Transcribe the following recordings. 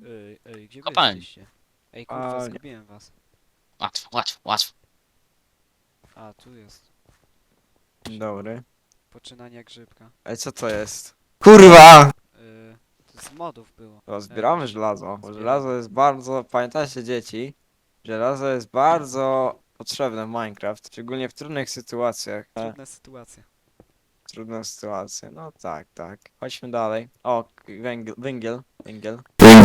Gdzie wy Kopalni. jesteście? Ej, kurwa, A, zgubiłem was. Łatwo, łatwo, łatwo. A, tu jest. Dobry. Poczynania grzybka. Ej, co to jest? Kurwa! To z modów było. To zbieramy właśnie, żelazo. Bo zbieram. żelazo jest bardzo... Pamiętajcie dzieci, żelazo jest bardzo potrzebne w Minecraft. Szczególnie w trudnych sytuacjach. Trudna sytuacja. Trudne sytuacje. No tak, tak. Chodźmy dalej. O, węgiel, węgiel, węgiel.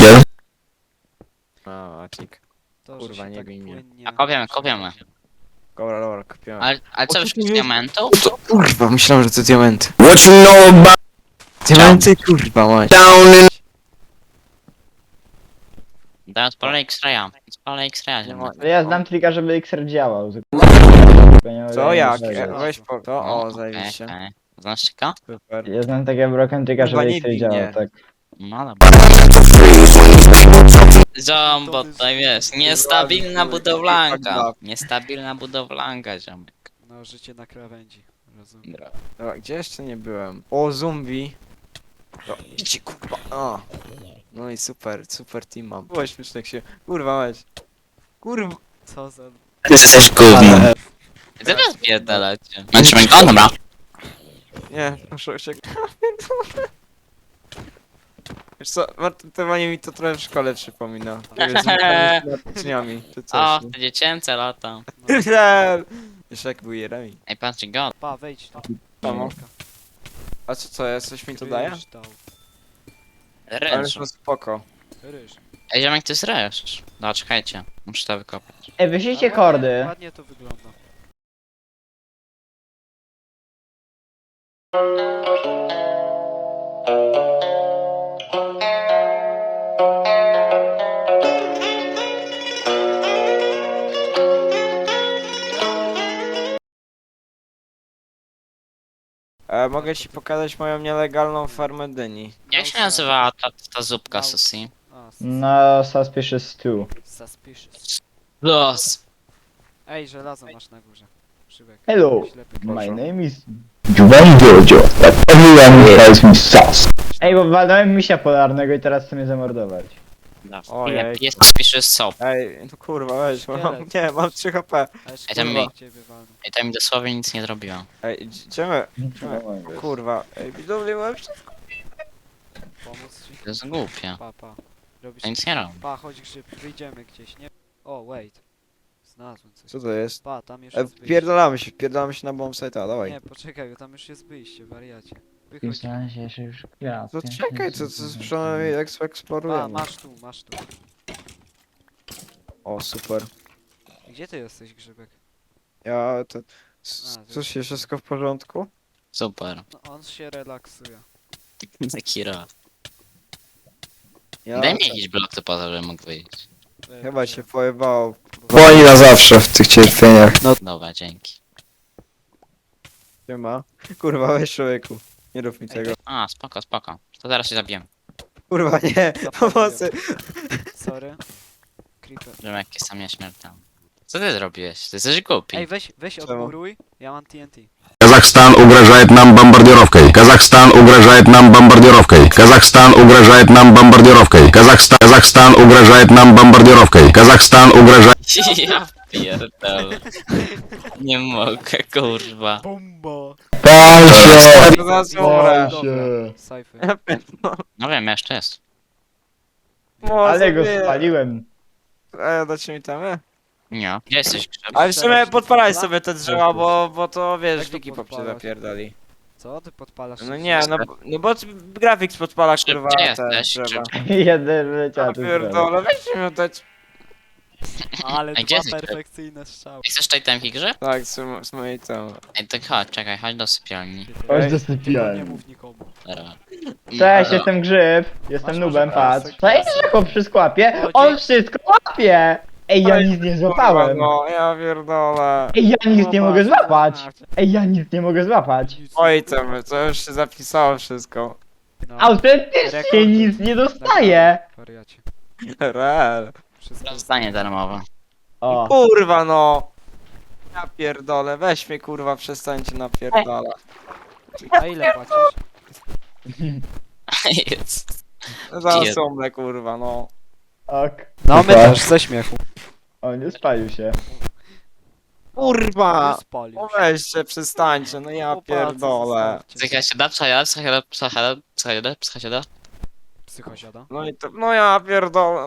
O, acik. To, Kurwa, że się nie tak bij mnie. płynnie... A kopiemy, kopiemy. Dobra, dobra, kupiłem. Ale co, O, już tu z jest- diamentu? To, kurwa, myślałem, że to diamenty. What you know about... Diamenty, kurwa, mać. Daj odpalę X-raya. Odpalę X-raya, Nie ziemniak. ma- Ale ja znam trika, żeby XR działał. Co, jak? żelazo. Weź po... To, No, o, okej, zajebiście. okej. Znasz czeka? Super. Ja znam takiego broken trika, Kurwa, żeby nie XR bij działał, mnie. tak. No dobra. Zombo, to jest niestabilna budowlanka. Niestabilna budowlanka, ziomek. No, życie na krawędzi. Rozumiem. Dobra. Dobra, gdzie jeszcze nie byłem? O, zombie. No, idźcie, kurwa. O. No i super, super team mam. Było śmieszne jak się... Kurwa, weź. Kurwa. Co za... Ty jesteś gównem. Teraz pierdalacie. Męczymy go? Dobra. Nie, proszę się... Wiesz co, martowanie mi to trochę w szkole przypomina. Z dniami, czy O, coś. te dziecięce lata. Wiesz jak był Jeremi. Ej, patrzcie go. Pa, wejdź tu. Samo. A co jest? Coś mi to daje? Ryż dał. Ale Ryż. to spoko. Ryż. Ej, ziomek, to jest ryż. No, czekajcie. Muszę to wykopać. Ej, wyślijcie A kordy. Ładnie to wygląda. Mogę ci pokazać moją nielegalną farmę dyni. Jak się nazywa ta zupka, Susi? A, No, Suspicious 2. suspicious. Los. Ej, żelazo masz na górze. Szybek. Hello, Ślepy my Proszę. name is Juan Jojo, but everyone calls me Sus. Ej, bo walnąłem misia polarnego i teraz chcę mnie zamordować. Ojej. Jest pisze sop. Ej, no kurwa, weź, mam, Szkielet. nie, mam 3 HP. Ale Ej, tam szkoda mi- ciebie walnął. I to mi dosłownie nic nie zrobiło. Ej, idziemy. Kurwa, ej, widownie mam wszystko. Pomóc ci? To jest głupie. Pa. Robisz... To nic nie robi. Pa, chodź grzyb, wyjdziemy gdzieś, nie? O, wait. Znalazłem coś. Co to jest? Pa, tam już jest wyjście. Wpierdalamy się na bombsite'a, dawaj. Nie, poczekaj, bo tam już jest wyjście, wariacie. Wychodź. To czekaj, co przynajmniej Pa, eksplorujemy. masz tu. O, super. Gdzie ty jesteś, grzybek? Ja, to... A, Coś się wszystko w porządku? Super. No, on się relaksuje. Taki raz. Ja... Daj mi jakiś blok, to po to, żebym mógł wyjść. Chyba się pojebało. Bo- Woli na zawsze w tych cierpieniach. No, Dobra, dzięki. nie ma. Kurwa, weź człowieku. Nie rób mi tego. A, spoko, spoko. To zaraz się zabiję. Kurwa, nie, pomocy. Sorry. Creeper. Żebym jakiś sam nieśmiertelny. Co ty zrobiłeś? Ty jesteś głupi. Ej, weź Czemu? odmuruj. Ja mam TNT. Казахстан угрожает нам бомбардировкой. Казахстан угрожает нам бомбардировкой. Казахстан угрожает нам бомбардировкой. Казахстан угрожает нам бомбардировкой. Казахстан угрожает... Ja pierdolę. Nie mogę, kurwa. Bomba! Pal się! Zaraz umrę. Sajfy. No wiem, jeszcze jest. Ale go spaliłem. Dacie mi tam, Nie. Gdzie jesteś, Grzyb? Ale w sumie podpalaj sobie te drzewa, Tak. bo to wiesz, Jak to wiki poprzez podpalać? zapierdali. Co? Ty podpalasz? No nie, no bo grafik podpala Grzyb, kurwa gdzie te jesteś, drzewa. Jeden leciał Ja tu pierdolę, weź mi oddać. Ale A gdzie dwa jesteś? perfekcyjne strzały. Chcesz tutaj temki, Grzyb? Tak, z mojej tam. Ej, to chodź, czekaj, chodź do sypialni. Chodź do Nie sypialni. mów nikomu. Dobra. Cześć, jestem Grzyb. Jestem Masz nubem, może patrz. pasek? Co jest, że chłop wszystko łapie? Chodzi- On wszystko łapie! Ej, ja nic nie złapałem. No, ja pierdolę. Ej, ja nic nie No, mogę patrz, złapać. patrz. Ej, ja nic nie mogę złapać. Nic. Oj tam, to już się zapisało wszystko. No. Autentycznie Rekord. nic nie dostaję. Wariacie. Real. Wszystko Zdanie darmowe. O. Kurwa no. Ja pierdolę, weź mnie kurwa, przestańcie napierdalać. A ile płacisz? Jest. Zaraz Pier- umrę kurwa, no. Ok. No my Super. też, ze śmiechu. O, nie spalił się. Kurwa! Spalił No się. weźcie, przestańcie, no ja Chłopacy, pierdolę. zostawcie. Psycha się da, psycha się da. Psychosiada. No i to, no ja pierdolę.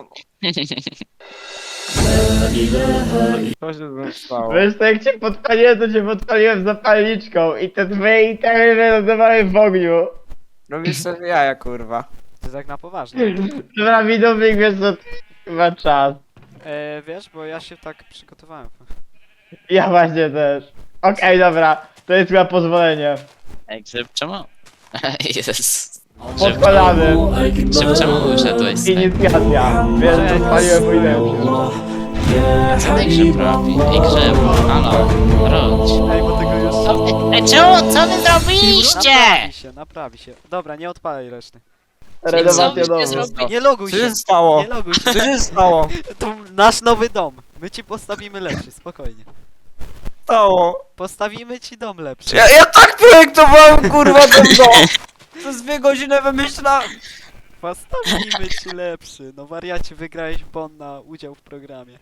Co się z tym stało? Wiesz, to jak cię podpaliłem, to cię podpaliłem zapalniczką i te twoje itemy wylądowały w ogniu. Robisz sobie jaja, kurwa. Ty tak na poważnie. Dobra, widownik, wiesz co, chyba czas. Wiesz, bo ja się tak przygotowałem. Ja właśnie też. Okej, dobra, to jest chyba pozwolenie. Ej, Grzyb, czemu? Jezus. Podpalamy. Grzyb, czemu uszedłeś? Inicjacja. Wiesz, podpaliłem mój lepszy. Co ten Grzyb robi? Ej, Grzyb, halo, wróć. Ej, bo tego już... Ej, czemu? Co wy zrobiliście? Naprawi się. Dobra, nie odpalaj reszty. Renowacja Co byście domu. zrobili? Nie loguj Co się. się stało? Nie loguj się. Co się stało? To nasz nowy dom. My ci postawimy lepszy, spokojnie. Stało? Postawimy ci dom lepszy. Ja tak projektowałem, kurwa, ten dom! Przez 2 godziny wymyślałem. Postawimy ci lepszy. No wariacie, wygrałeś bon na udział w programie.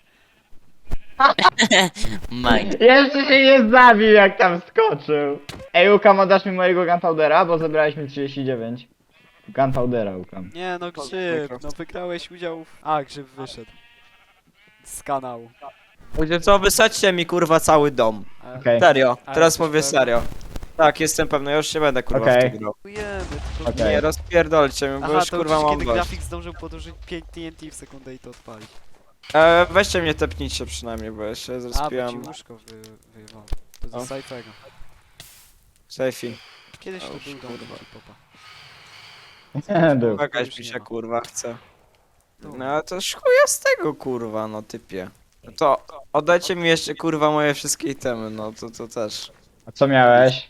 Mike. Jeszcze się nie zabił, jak tam skoczył. Ej, Ukam, oddasz mi mojego gunpowdera, bo zebrałeś mi 39. Gunpowdera, Ukam. Nie no, Grzyb, no wygrałeś udział w... A, Grzyb wyszedł. Z kanału. Ludzie, co, wysadźcie mi, kurwa, cały dom. A, Okej. Serio, Ale teraz jesteś mówię pewny? serio. Tak, jestem pewny, ja już się będę, kurwa, Okej. w to grał. Dziękujemy, tylko... Okej. Nie, rozpierdolcie mnie, bo Aha, już, to kurwa, już mam kiedy dość. grafik zdążył podłożyć 5 TNT w sekundę i to odpalić. Weźcie mnie, tepnijcie przynajmniej, bo ja się A, bo ci zrespiłem. łóżko wyjebało. To O. ze Saifego. Sejfi. Kiedyś to O, był dom kurwa. popa. Był. Jakaś już mi nie się, ma. kurwa, chce. Tu. No ale to chuja z tego, kurwa, no typie. No to oddajcie mi jeszcze, kurwa, moje wszystkie itemy, no to też. A co miałeś?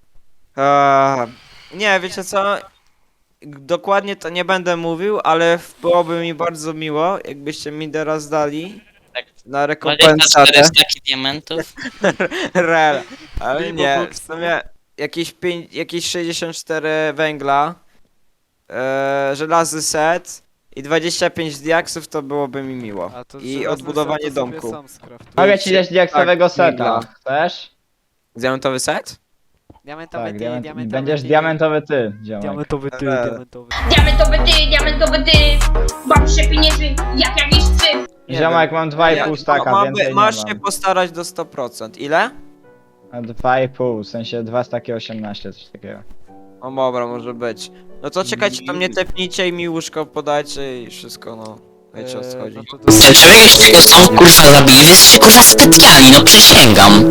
Nie, wiecie co? Dokładnie to nie będę mówił, ale byłoby mi bardzo miło, jakbyście mi teraz dali Tak. na 24 rekompensatę. staki diamentów. Rel. Ale Mimo nie, box, w sumie jakieś 64 węgla, żelazny set i 25 diaksów to byłoby mi miło. A to I żelazny odbudowanie set to sobie domku. sam skraftuj. Mogę ci dać diaksowego tak, seta. migla. Chcesz? Diamentowy set? Diamentowy Tak, ty, diament... diamentowy będziesz ty. diamentowy ty, ziomek. Diamentowy ty, Eee. diamentowy. Diamentowy ty, baw się pieniędzy, jak jakiś psy. Nie Ziomek, wiem. mam 2,5 staka, więcej nie Masz się mam. postarać do 100%. Ile? A 2,5, w sensie 2 staki 18, coś takiego. O dobra, może być. No to czekajcie, to mnie tepnijcie i mi łóżko podajcie i wszystko, no. Wiecie o co chodzi. No to to... Czy wy już tego są kurwa zabili? Wy jesteście kurwa spytkani, no przysięgam.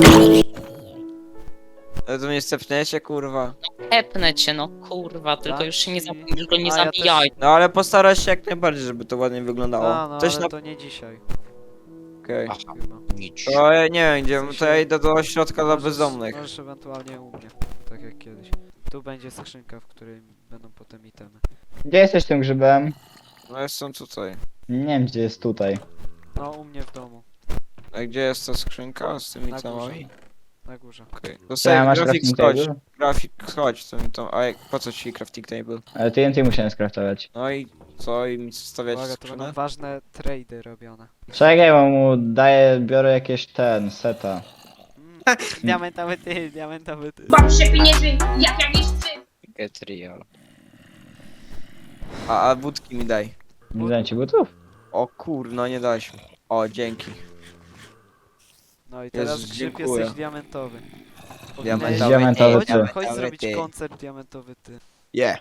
Ale to mnie stepniecie, kurwa. Epnę cię, no kurwa, tylko już się nie, już go nie A, ja też- zabijaj. No ale postaraj się jak najbardziej, żeby to ładnie wyglądało. A, no Coś ale na... to nie dzisiaj. Okej. Chyba. To ja nie wiem gdzie, W sensie- to ja idę do ośrodka dla Możesz- bezdomnych. Możesz ewentualnie u mnie, tak jak kiedyś. Tu będzie skrzynka, w której będą potem itemy. Gdzie jesteś tym grzybem? No jestem tutaj. Nie wiem, gdzie jest tutaj. No, u mnie w domu, A gdzie jest ta skrzynka z tymi Na temami? na górze. Okej. To Ja sobie masz grafik crafting chodź. table? Grafik chodź, co mi tam. A jak, po co ci crafting table? Ale TNT musiałem skraftować. No i co? I mi stawiać Uwaga, to będą skrzynę? ważne trady robione. Czekaj, bo mu daję, biorę jakieś seta. Diamentowy ty, diamentowy ty. Baw się pieniędzy, jak jakiś psy. Get real. A wódki mi daj. Nie dam ci butów? O kurno, nie dałeś mi. O, dzięki. No i teraz Jezus, Grzyb dziękuję. jesteś diamentowy. Diamentowy Diamentowy Chodź, ty. chodź Diamentowy zrobić ty. koncert diamentowy ty. Yeah.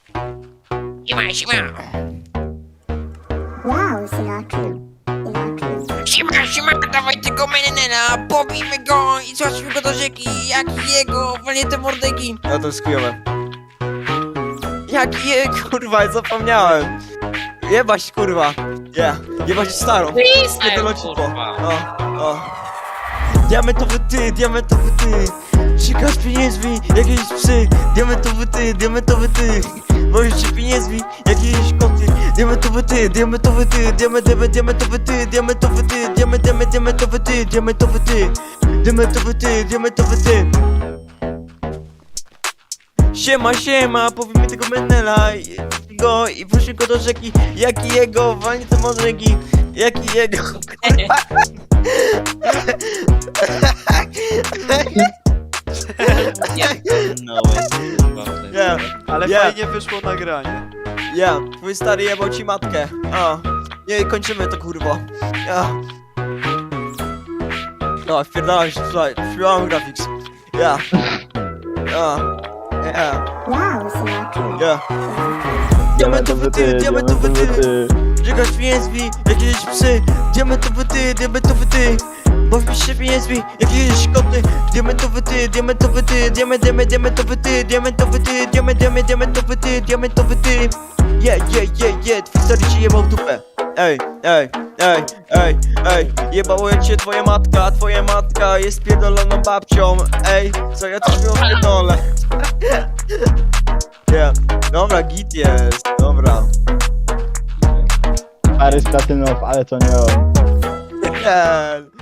Wow, Sinatra. Siema, dawaj tego menena, pobijmy go i zobaczmy go do rzeki, jak jego, walnie te mordeki. No to jest chujowe. Jak je, kurwa, zapomniałem. Jebać, kurwa. Yeah. Jebać starą. Kiedy locipo. kurwa. O. Diamentowy ty, diamentowy ty. Sikasz pieniędzmi, jakieś psy. Diamentowy ty. Możesz się pieniędzmi, jakieś koty. Diamentowy ty, diamentowy ty. Diamentowy ty, diamentowy ty. Diamentowy ty, diamentowy ty. Diamentowy ty. Siema, powiemy tego menela. go i puścił go do rzeki. Jaki jego, walnie te modrzegi. Jaki jego, kurwa. No, Nie, Ale Nie. fajnie wyszło nagranie. ja, twój stary jebał ci matkę. A, nie, kończymy to kurwo. Ja. No, wpierdalaj się, słuchaj, śpiewamy graphics. Ja. Ja. Ja. Ja. Diamentowy ty, diamentowy ty. Żegasz pieniędzmi, jakieś psy. Diamentowy ty. Bawisz się pieniędzmi, jakieś koty. Diamentowy ty, diamentowy ty. Diamentowy ty, diamentowy ty. Diamentowy ty. Yeah, twój stary ci jebał w dupę. Ej. Jebało jak cię twoja matka jest pierdoloną babcią. Ej, co ja coś pierdolę. Yeah, dobra, git jest, dobra. Parys Platynow, ale to nie on. Yeah.